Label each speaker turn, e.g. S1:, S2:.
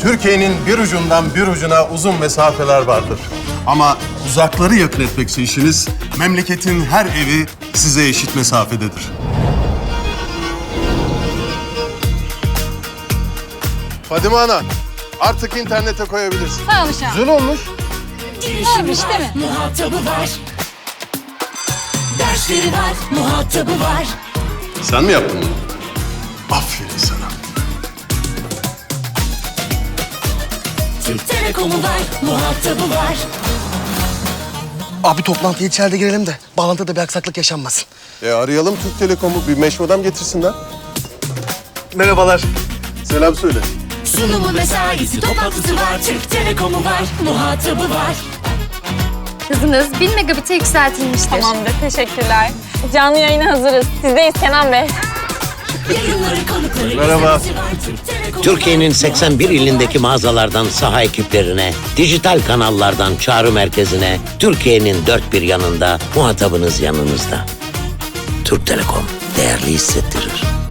S1: Türkiye'nin bir ucundan bir ucuna uzun mesafeler vardır. Ama uzakları yakın etmekse işiniz, memleketin her evi size eşit mesafededir. Fadime Ana, artık internete koyabilirsin.
S2: Sağ ol Şahan.
S1: Güzel olmuş.
S2: Varmış değil mi?
S3: Muhatabı var. Dersleri var, muhatabı var.
S1: Sen mi yaptın bunu? Aferin sana.
S3: Türk Telekom'u var, muhatabı var.
S4: Abi toplantıya içeride girelim de bağlantıda bir aksaklık yaşanmasın.
S1: Arayalım Türk Telekom'u, bir meşmudam getirsinler.
S4: Merhabalar.
S1: Selam söyle.
S3: Sunumu mesaisi, toplantısı var. Türk Telekom'u var, muhatabı var.
S5: Hızınız 1000 megabit'e yükseltilmiştir.
S6: Tamamdır, teşekkürler. Canlı yayına hazırız. Sizdeyiz Kenan Bey.
S3: Yayınları, konukları,
S1: Merhaba.
S3: izlemesi var. Türk Telekom'u
S7: Türkiye'nin 81 ilindeki mağazalardan saha ekiplerine, dijital kanallardan çağrı merkezine, Türkiye'nin dört bir yanında, muhatabınız yanınızda. Türk Telekom değerli hissettirir.